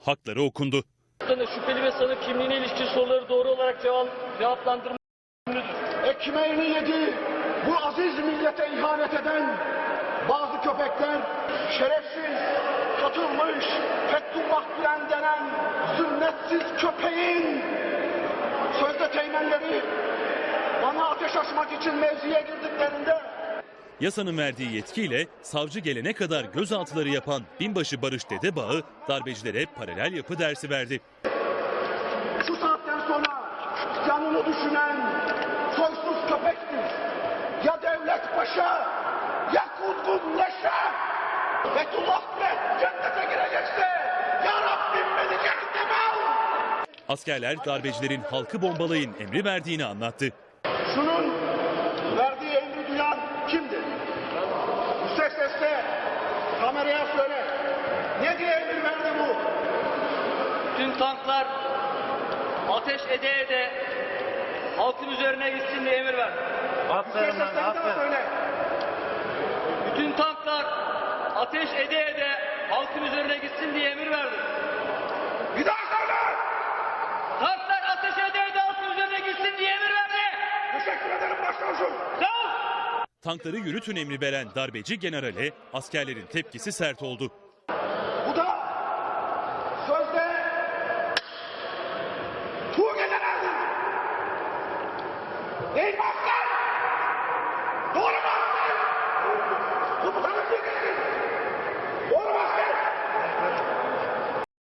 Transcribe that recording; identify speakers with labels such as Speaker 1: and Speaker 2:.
Speaker 1: hakları okundu.
Speaker 2: Şüpheli ve sanık kimliğine ilişkin soruları doğru olarak cevaplandırma yükümlüdür.
Speaker 3: Ekmeğini yedi, bu aziz millete ihanet eden bazı köpekler, şerefsiz, satılmış, Fethullah Gülen denen zünnetsiz köpeğin sözde teğmenleri bana ateş açmak için mevziye girdiklerinde
Speaker 1: Yasanın verdiği yetkiyle savcı gelene kadar gözaltıları yapan binbaşı Barış Dedebağ'ı darbecilere paralel yapı dersi verdi.
Speaker 3: şu saatten sonra canını düşünen soysuz köpektir. Ya devlet başa, ya kuzgun leşe. Fethullah Gülen cennete girecekse ya Rabbim beni cehenneme al.
Speaker 1: Askerler darbecilerin halkı bombalayın emri verdiğini anlattı.
Speaker 3: Şunun verdiği emri duyan kimdir? Yüksek sesle kameraya söyle. Ne diye emir verdi bu?
Speaker 2: Tüm tanklar ateş ede ede halkın üzerine gitsin diye emir verdi.
Speaker 3: Yüksek sesle bir daha söyle.
Speaker 2: Bütün tanklar ateş ede ede halkın üzerine gitsin diye emir verdi.
Speaker 3: Bir daha söyle.
Speaker 2: Tanklar ateş ede ede halkın üzerine gitsin diye emir verdi.
Speaker 3: Teşekkür ederim başkomusun.
Speaker 2: Sağ ol.
Speaker 1: Tankları yürütün emri veren darbeci generale askerlerin tepkisi sert oldu.
Speaker 3: Bu da sözde Tuğ generaldir. Değil mi aslan?